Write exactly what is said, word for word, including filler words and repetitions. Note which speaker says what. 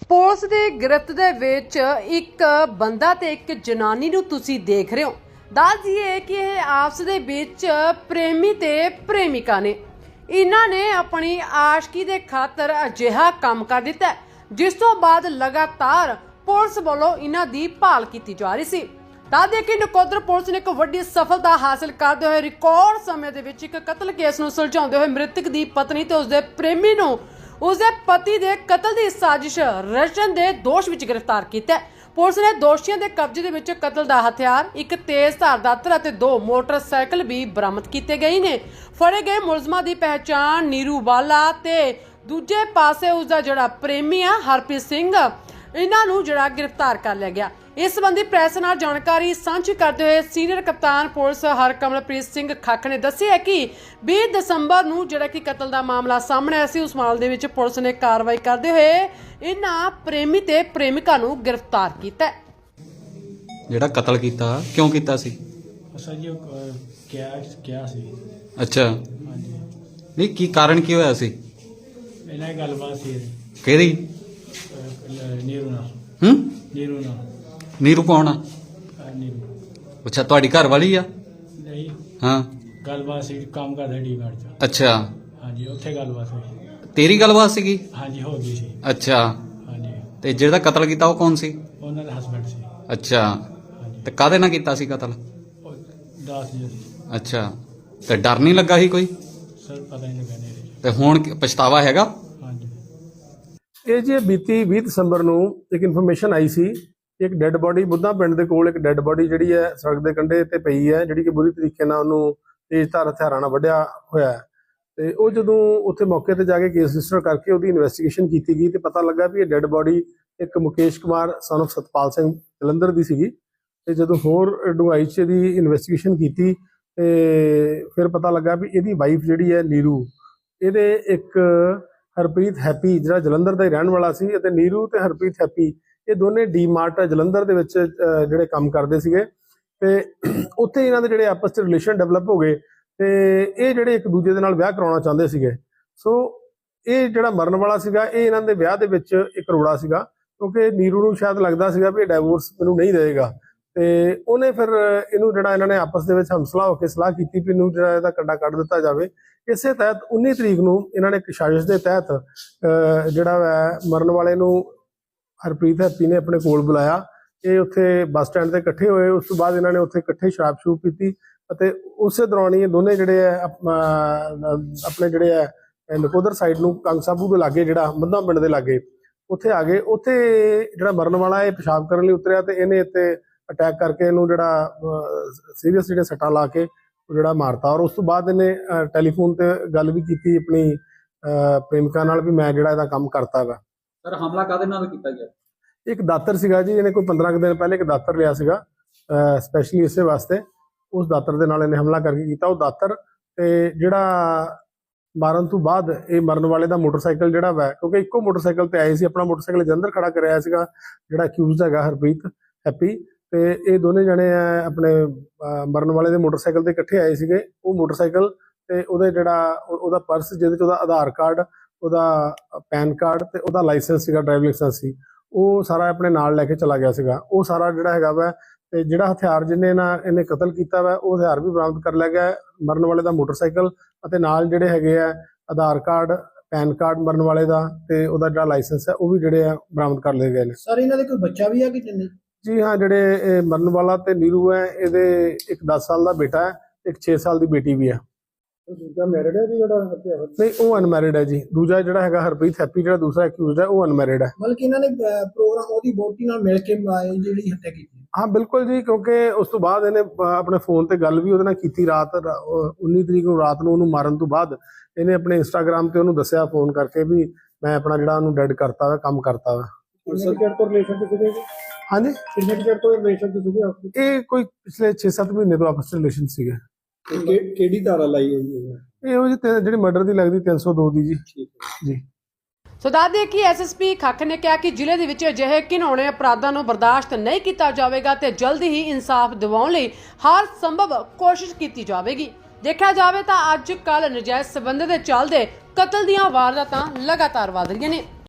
Speaker 1: Police ਦੀ ਗ੍ਰਿਫਤ ਦੇ ਵਿੱਚ ਇੱਕ ਬੰਦਾ ਤੇ ਇੱਕ ਜਨਾਨੀ ਨੂੰ ਤੁਸੀਂ ਦੇਖ ਰਹੇ ਹੋ। ਦੱਸ ਦਈਏ ਕਿ ਇਹ ਆਪਸ ਦੇ ਵਿੱਚ ਪ੍ਰੇਮੀ ਤੇ ਪ੍ਰੇਮਿਕਾ ਨੇ। ਇਹਨਾਂ ਨੇ ਆਪਣੀ ਆਸ਼ਕੀ ਦੇ ਖਾਤਰ ਅਜਿਹਾ ਕੰਮ ਕਰ ਦਿੱਤਾ ਜਿਸ ਤੋਂ ਬਾਅਦ ਲਗਾਤਾਰ ਪੁਲਿਸ ਵੱਲੋਂ ਇਹਨਾਂ ਦੀ ਭਾਲ ਕੀਤੀ ਜਾ ਰਹੀ ਸੀ। ਦੱਸ ਦਈਏ ਕਿ ਨਕੋਦਰ ਪੁਲਿਸ ਨੇ ਇੱਕ ਵੱਡੀ ਸਫਲਤਾ ਹਾਸਲ ਕਰਦੇ ਹੋਏ ਰਿਕਾਰਡ ਸਮੇਂ ਦੇ ਵਿੱਚ ਇੱਕ ਕਤਲ ਕੇਸ ਨੂੰ ਸੁਲਝਾਉਂਦੇ ਹੋਏ ਮ੍ਰਿਤਕ ਦੀ ਪਤਨੀ ਤੇ ਉਸਦੇ ਪ੍ਰੇਮੀ ਨੂੰ ਉਸਦੇ ਪਤੀ ਦੇ ਕਤਲ ਦੀ ਸਾਜ਼ਿਸ਼ ਰਚਨ ਦੇ ਦੋਸ਼ ਵਿੱਚ ਗ੍ਰਿਫਤਾਰ ਕੀਤਾ ਹੈ। ਪੁਲਿਸ ਨੇ ਦੋਸ਼ੀਆਂ ਦੇ ਕਬਜ਼ੇ ਦੇ ਵਿੱਚ ਕਤਲ ਦਾ ਹਥਿਆਰ, ਇੱਕ ਤੇਜ਼ ਧਾਰ ਦਾਤਰ ਅਤੇ ਦੋ ਮੋਟਰਸਾਈਕਲ ਵੀ ਬਰਾਮਦ ਕੀਤੇ ਗਏ ਨੇ। ਫੜੇ ਗਏ ਮੁਲਜ਼ਮਾਂ ਦੀ ਪਹਿਚਾਣ ਨੀਰੂ ਵਾਲਾ ਤੇ ਦੂਜੇ ਪਾਸੇ ਉਸਦਾ ਜਿਹੜਾ ਪ੍ਰੇਮੀ ਆ ਹਰਪ੍ਰੀਤ ਸਿੰਘ, ਇਹਨਾਂ ਨੂੰ ਜਿਹੜਾ ਗ੍ਰਿਫਤਾਰ ਕਰ ਲਿਆ ਗਿਆ। ਇਸ ਸੰਬੰਧੀ ਪ੍ਰੈਸ ਨਾਲ ਜਾਣਕਾਰੀ ਸਾਂਝੀ ਕਰਦੇ ਹੋਏ ਸੀਨੀਅਰ ਕਪਤਾਨ ਪੁਲਿਸ ਹਰਕਮਲਪ੍ਰੀਤ ਸਿੰਘ ਖੱਖ ਨੇ ਦੱਸਿਆ ਕਿ ਵੀਹ ਦਸੰਬਰ ਨੂੰ ਜਿਹੜਾ ਕਿ ਕਤਲ ਦਾ ਮਾਮਲਾ ਸਾਹਮਣੇ ਆਇਆ ਸੀ, ਉਸ ਮਾਮਲੇ ਦੇ ਵਿੱਚ ਪੁਲਿਸ ਨੇ ਕਾਰਵਾਈ ਕਰਦੇ ਹੋਏ ਇਹਨਾਂ ਪ੍ਰੇਮੀ ਤੇ ਪ੍ਰੇਮਿਕਾ ਨੂੰ ਗ੍ਰਿਫਤਾਰ ਕੀਤਾ।
Speaker 2: ਜਿਹੜਾ ਕਤਲ ਕੀਤਾ ਕਿਉਂ ਕੀਤਾ ਸੀ?
Speaker 3: ਅਸਾਂ ਜੀ ਕਿਹਾ ਕਿਹਾ ਸੀ।
Speaker 2: ਅੱਛਾ,
Speaker 3: ਹਾਂਜੀ,
Speaker 2: ਨਹੀਂ ਕੀ ਕਾਰਨ ਕੀ ਹੋਇਆ ਸੀ?
Speaker 3: ਇਹਨਾਂ ਦੀ ਗੱਲਬਾਤ ਸੀ
Speaker 2: ਕਿਹਦੀ?
Speaker 3: ਅਹ, ਨੀਰੂ ਨਾਲ।
Speaker 2: ਹੂੰ,
Speaker 3: ਨੀਰੂ ਨਾਲ।
Speaker 2: ਨੀਰੂ ਕੌਣ ਆ?
Speaker 3: ਅਹ, ਨੀਰੂ
Speaker 2: ਅੱਛਾ, ਤੁਹਾਡੀ ਘਰ ਵਾਲੀ ਆ?
Speaker 3: ਨਹੀਂ,
Speaker 2: ਹਾਂ,
Speaker 3: ਗੱਲਬਾਤ ਸੀ, ਕੰਮ ਕਰਦਾ ਡੀ ਗਾਰਡ ਚ।
Speaker 2: ਅੱਛਾ,
Speaker 3: ਹਾਂਜੀ, ਉੱਥੇ ਗੱਲਬਾਤ ਹੋਈ।
Speaker 2: ਤੇਰੀ ਗੱਲਬਾਤ ਸੀਗੀ?
Speaker 3: ਹਾਂਜੀ, ਹੋ ਗਈ ਸੀ।
Speaker 2: ਅੱਛਾ,
Speaker 3: ਹਾਂਜੀ,
Speaker 2: ਤੇ ਜਿਹੜਾ ਕਤਲ ਕੀਤਾ ਉਹ ਕੌਣ ਸੀ?
Speaker 3: ਉਹਨਾਂ ਦਾ ਹਸਬੈਂਡ ਸੀ।
Speaker 2: ਅੱਛਾ,
Speaker 3: ਹਾਂਜੀ,
Speaker 2: ਤੇ ਕਾਹਦੇ ਨਾਲ ਕੀਤਾ ਸੀ ਕਤਲ?
Speaker 3: ਉਹ ਦੱਸ ਜੀ
Speaker 2: ਅੱਛਾ, ਤੇ ਡਰ ਨਹੀਂ ਲੱਗਾ ਸੀ ਕੋਈ?
Speaker 3: ਸਰ ਪਤਾ ਨਹੀਂ ਲੱਗਾ ਨੇਰੇ ਚ।
Speaker 2: ਤੇ ਹੁਣ ਕੀ ਪਛਤਾਵਾ ਹੈਗਾ?
Speaker 3: ਹਾਂਜੀ,
Speaker 4: ਇਹ ਜੀ ਬੀਤੀ ਵੀਹ ਦਸੰਬਰ ਨੂੰ ਇੱਕ ਇਨਫੋਰਮੇਸ਼ਨ ਆਈ ਸੀ, ਇੱਕ ਡੈੱਡ ਬੋਡੀ ਬੁੱਧਾ ਪਿੰਡ ਦੇ ਕੋਲ ਇੱਕ ਡੈੱਡ ਬੋਡੀ ਜਿਹੜੀ ਹੈ ਸੜਕ ਦੇ ਕੰਢੇ ਤੇ ਪਈ ਹੈ, ਜਿਹੜੀ ਕਿ ਬੁਰੀ ਤਰੀਕੇ ਨਾਲ ਉਹਨੂੰ ਤੇਜ਼ ਧਾਰ ਹਥਿਆਰਾਂ ਨਾਲ ਵੱਢਿਆ ਹੋਇਆ ਹੈ। ਤੇ ਉਹ ਜਦੋਂ ਉੱਥੇ ਮੌਕੇ ਤੇ ਜਾ ਕੇ ਕੇਸ ਰਜਿਸਟਰ ਕਰਕੇ ਉਹਦੀ ਇਨਵੈਸਟੀਗੇਸ਼ਨ ਕੀਤੀ ਗਈ ਤੇ ਪਤਾ ਲੱਗਾ ਵੀ ਇਹ ਡੈੱਡ ਬੋਡੀ ਇੱਕ ਮੁਕੇਸ਼ ਕੁਮਾਰ ਸਨ ਆਫ ਸਤਪਾਲ ਸਿੰਘ ਜਲੰਧਰ ਦੀ ਸੀਗੀ। ਤੇ ਜਦੋਂ ਹੋਰ ਡੂੰਘਾਈ 'ਚ ਇਹਦੀ ਇਨਵੈਸਟੀਗੇਸ਼ਨ ਕੀਤੀ ਤੇ ਫਿਰ ਪਤਾ ਲੱਗਾ ਵੀ ਇਹਦੀ ਵਾਈਫ ਜਿਹੜੀ ਹੈ ਨੀਰੂ, ਇਹਦੇ ਇੱਕ ਹਰਪ੍ਰੀਤ ਹੈਪੀ ਜਿਹੜਾ ਜਲੰਧਰ ਦਾ ਹੀ ਰਹਿਣ ਵਾਲਾ ਸੀ, ਅਤੇ ਨੀਰੂ ਤੇ ਹਰਪ੍ਰੀਤ ਹੈਪੀ ਇਹ ਦੋਨੇ ਡੀ ਮਾਰਟ ਜਲੰਧਰ ਦੇ ਵਿੱਚ ਜਿਹੜੇ ਕੰਮ ਕਰਦੇ ਸੀਗੇ ਤੇ ਉੱਥੇ ਇਹਨਾਂ ਦੇ ਜਿਹੜੇ ਆਪਸ 'ਚ ਰਿਲੇਸ਼ਨ ਡਿਵੈਲਪ ਹੋ ਗਏ ਤੇ ਇਹ ਜਿਹੜੇ ਇੱਕ ਦੂਜੇ ਦੇ ਨਾਲ ਵਿਆਹ ਕਰਾਉਣਾ ਚਾਹੁੰਦੇ ਸੀਗੇ। ਸੋ ਇਹ ਜਿਹੜਾ ਮਰਨ ਵਾਲਾ ਸੀਗਾ ਇਹ ਇਹਨਾਂ ਦੇ ਵਿਆਹ ਦੇ ਵਿੱਚ ਇੱਕ ਰੋੜਾ ਸੀਗਾ, ਕਿਉਂਕਿ ਨੀਰੂ ਨੂੰ ਸ਼ਾਇਦ ਲੱਗਦਾ ਸੀਗਾ ਵੀ ਇਹ ਡਾਈਵੋਰਸ ਮੈਨੂੰ ਨਹੀਂ ਦੇਵੇਗਾ ਤੇ ਉਹਨੇ ਫਿਰ ਇਹਨੂੰ ਜਿਹੜਾ ਇਹਨਾਂ ਨੇ ਆਪਸ ਦੇ ਵਿੱਚ ਹਮਸਲਾ ਹੋ ਕੇ ਸਲਾਹ ਕੀਤੀ ਵੀ ਇਹਨੂੰ ਜਿਹੜਾ ਇਹਦਾ ਕੰਡਾ ਕੱਢ ਦਿੱਤਾ ਜਾਵੇ। ਇਸੇ ਤਹਿਤ ਉੱਨੀ ਤਰੀਕ ਨੂੰ ਇਹਨਾਂ ਨੇ ਇੱਕ ਸਾਜ਼ਿਸ਼ ਦੇ ਤਹਿਤ ਜਿਹੜਾ ਹੈ ਮਰਨ ਵਾਲੇ ਨੂੰ ਹਰਪ੍ਰੀਤ ਹੈਪੀ ਨੇ ਆਪਣੇ ਕੋਲ ਬੁਲਾਇਆ। ਇਹ ਉੱਥੇ ਬੱਸ ਸਟੈਂਡ ਤੇ ਇਕੱਠੇ ਹੋਏ। ਉਸ ਤੋਂ ਬਾਅਦ ਇਹਨਾਂ ਨੇ ਉੱਥੇ ਇਕੱਠੇ ਸ਼ਰਾਬ ਸ਼ੂਬ ਪੀਤੀ ਅਤੇ ਉਸੇ ਦੌਰਾਨ ਹੀ ਇਹ ਦੋਨੇ ਜਿਹੜੇ ਹੈ ਆਪਣੇ ਜਿਹੜੇ ਹੈ ਨਕੋਦਰ ਸਾਈਡ ਨੂੰ ਕੰਗ ਸਾਬੂ ਦੇ ਲਾਗੇ, ਜਿਹੜਾ ਮੱਧਾ ਪਿੰਡ ਦੇ ਲਾਗੇ, ਉੱਥੇ ਆ ਗਏ। ਉੱਥੇ ਜਿਹੜਾ ਮਰਨ ਵਾਲਾ ਇਹ ਪਿਸ਼ਾਬ ਕਰਨ ਲਈ ਉਤਰਿਆ ਤੇ ਇਹਨੇ ਇੱਥੇ ਅਟੈਕ ਕਰਕੇ ਇਹਨੂੰ ਜਿਹੜਾ ਸੀਰੀਅਸ ਜਿਹੜੇ ਸੱਟਾਂ ਲਾ ਕੇ ਜਿਹੜਾ ਮਾਰਤਾ। ਔਰ ਉਸ ਤੋਂ ਬਾਅਦ ਇਹਨੇ ਟੈਲੀਫੋਨ ਤੇ ਗੱਲ ਵੀ ਕੀਤੀ ਆਪਣੀ ਪ੍ਰੇਮਿਕਾ ਨਾਲ ਵੀ ਮੈਂ ਜਿਹੜਾ ਇਹਦਾ ਕੰਮ ਕਰਤਾ ਵਾ।
Speaker 2: ਸਰ, ਹਮਲਾ ਕਾਹਦੇ ਨਾਲ ਕੀਤਾ ਗਿਆ?
Speaker 4: ਇੱਕ ਦਾਤਰ ਸੀਗਾ ਜੀ, ਇਹਨੇ ਕੋਈ ਪੰਦਰਾਂ ਕੁ ਦਿਨ ਪਹਿਲੇ ਇੱਕ ਦਾਤਰ ਲਿਆ ਸੀਗਾ ਸਪੈਸ਼ਲੀ ਇਸੇ ਵਾਸਤੇ। ਉਸ ਦਾਤਰ ਦੇ ਨਾਲ ਇਹਨੇ ਹਮਲਾ ਕਰਕੇ ਕੀਤਾ। ਉਹ ਦਾਤਰ ਤੇ ਜਿਹੜਾ ਮਾਰਨ ਤੋਂ ਬਾਅਦ ਇਹ ਮਰਨ ਵਾਲੇ ਦਾ ਮੋਟਰਸਾਈਕਲ ਜਿਹੜਾ ਵਾ, ਕਿਉਂਕਿ ਇੱਕੋ ਮੋਟਰਸਾਈਕਲ ਤੇ ਆਏ ਸੀ, ਆਪਣਾ ਮੋਟਰਸਾਈਕਲ ਜਲੰਧਰ ਖੜਾ ਕਰਿਆ ਸੀਗਾ ਜਿਹੜਾ ਅਕਿਊਜ਼ਡ ਹੈਗਾ ਹਰਪ੍ਰੀਤ ਹੈਪੀ, ਤੇ ਇਹ ਦੋਨੇ ਜਣੇ ਆਪਣੇ ਮਰਨ ਵਾਲੇ ਦੇ ਮੋਟਰਸਾਈਕਲ ਤੇ ਇਕੱਠੇ ਆਏ ਸੀਗੇ। ਉਹ ਮੋਟਰਸਾਈਕਲ ਤੇ ਉਹਦੇ ਜਿਹੜਾ ਉਹਦਾ ਪਰਸ ਜਿਹਦੇ ਚ ਉਹਦਾ ਆਧਾਰ ਕਾਰਡ, ਉਹਦਾ ਪੈਨ ਕਾਰਡ ਤੇ ਉਹਦਾ ਲਾਇਸੈਂਸ ਸੀਗਾ, ਡਰਾਈਵਿੰਗ ਲਾਇਸੈਂਸ ਸੀ, ਉਹ ਸਾਰਾ ਆਪਣੇ ਨਾਲ ਲੈ ਕੇ ਚਲਾ ਗਿਆ ਸੀਗਾ। ਉਹ ਸਾਰਾ ਜਿਹੜਾ ਹੈਗਾ ਵਾ ਤੇ ਜਿਹੜਾ ਹਥਿਆਰ ਜਿਹਨੇ ਨਾ ਇਹਨੇ ਕਤਲ ਕੀਤਾ ਵਾ ਉਹ ਹਥਿਆਰ ਵੀ ਬਰਾਮਦ ਕਰ ਲਿਆ ਗਿਆ। ਮਰਨ ਵਾਲੇ ਦਾ ਮੋਟਰਸਾਈਕਲ ਅਤੇ ਨਾਲ ਜਿਹੜੇ ਹੈਗੇ ਆ ਆਧਾਰ ਕਾਰਡ, ਪੈਨ ਕਾਰਡ ਮਰਨ ਵਾਲੇ ਦਾ ਤੇ ਉਹਦਾ ਜਿਹੜਾ ਲਾਇਸੈਂਸ ਹੈ ਉਹ ਵੀ ਜਿਹੜੇ ਆ ਬਰਾਮਦ ਕਰ ਲਏ ਗਏ ਨੇ।
Speaker 5: ਸਰ, ਇਹਨਾਂ ਦੇ ਕੋਈ ਬੱਚਾ ਵੀ ਹੈ ਕਿ ਨਹੀਂ?
Speaker 4: ਜੀ ਹਾਂ, ਜਿਹੜੇ ਇਹ ਮਰਨ ਵਾਲਾ ਤੇ ਨੀਰੂ ਹੈ, ਇਹਦੇ ਇੱਕ ਦਸ ਸਾਲ ਦਾ ਬੇਟਾ ਹੈ, ਇੱਕ ਛੇ ਸਾਲ ਦੀ ਬੇਟੀ ਵੀ ਹੈ।
Speaker 5: ਦੂਜਾ ਮੈਰਿਡ ਹੈ ਜੀ ਜਿਹੜਾ ਹੱਤਿਆ ਹੋਇਆ?
Speaker 4: ਨਹੀਂ, ਉਹ ਅਨਮੈਰਿਡ ਹੈ ਜੀ। ਦੂਜਾ ਜਿਹੜਾ ਹੈਗਾ ਹਰਪ੍ਰੀਤ ਹੈਪੀ, ਜਿਹੜਾ ਦੂਸਰਾ ਅਕਿਊਜ਼ਡ ਹੈ, ਉਹ ਅਨਮੈਰਿਡ ਹੈ।
Speaker 5: ਮਤਲਬ ਕਿ ਇਹਨਾਂ ਨੇ ਪ੍ਰੋਗਰਾਮ ਉਹਦੀ ਵੋਟੀ ਨਾਲ ਮਿਲ ਕੇ ਜਿਹੜੀ ਹੱਤਿਆ ਕੀਤੀ?
Speaker 4: ਹਾਂ ਬਿਲਕੁਲ ਜੀ, ਕਿਉਂਕਿ ਉਸ ਤੋਂ ਬਾਅਦ ਇਹਨੇ ਆਪਣੇ ਫੋਨ ਤੇ ਗੱਲ ਵੀ ਉਹਦੇ ਨਾਲ ਕੀਤੀ। ਰਾਤ ਉੱਨੀ ਤਰੀਕ ਨੂੰ ਰਾਤ ਨੂੰ ਉਹਨੂੰ ਮਾਰਨ ਤੋਂ ਬਾਅਦ ਇਹਨੇ ਆਪਣੇ ਇੰਸਟਾਗ੍ਰਾਮ ਤੇ ਉਹਨੂੰ ਦੱਸਿਆ ਫੋਨ ਕਰਕੇ ਵੀ ਮੈਂ ਆਪਣਾ ਜਿਹੜਾ ਉਹਨੂੰ ਡੈਡ ਕਰਤਾ ਵਾ, ਕੰਮ ਕਰਤਾ ਵਾ। ਹਾਂਜੀ, ਇਹ ਕੋਈ ਪਿਛਲੇ ਛੇ ਸੱਤ ਮਹੀਨੇ ਤੋਂ ਆਪਸ ਚ ਰਿਲੇਸ਼ਨ ਸੀਗੇ।
Speaker 5: ਕਿਹੜੀ ਧਾਰਾ ਲਾਈ ਹੈ ਜੀ
Speaker 4: ਇਹ ਉਹ ਜਿਹੜੀ ਮਰਡਰ ਦੀ ਲੱਗਦੀ ਤਿੰਨ ਸੌ ਦੋ ਦੀ ਜੀ। ਜੀ
Speaker 1: ਸੋ ਦੱਸ ਦਈਏ ਕਿ ਐਸ ਐਸ ਪੀ ਖੱਖ ਨੇ ਕਿਹਾ ਕਿ ਜ਼ਿਲ੍ਹੇ ਦੇ ਵਿੱਚ ਅਜਿਹੇ ਘਿਨਾਉਣੇ ਅਪਰਾਧਾਂ ਨੂੰ ਬਰਦਾਸ਼ਤ ਨਹੀਂ ਕੀਤਾ ਜਾਵੇਗਾ ਤੇ ਜਲਦੀ ਹੀ ਇਨਸਾਫ ਦਿਵਾਉਣ ਲਈ ਹਰ ਸੰਭਵ ਕੋਸ਼ਿਸ਼ ਕੀਤੀ ਜਾਵੇਗੀ। ਦੇਖਿਆ ਜਾਵੇ ਤਾਂ ਅੱਜ ਕੱਲ੍ਹ ਨਜਾਇਜ਼ ਸਬੰਧ ਦੇ ਚੱਲਦੇ ਕਤਲ ਦੀਆਂ ਵਾਰਦਾਤਾਂ ਲਗਾਤਾਰ ਵਧ ਰਹੀਆਂ ਨੇ।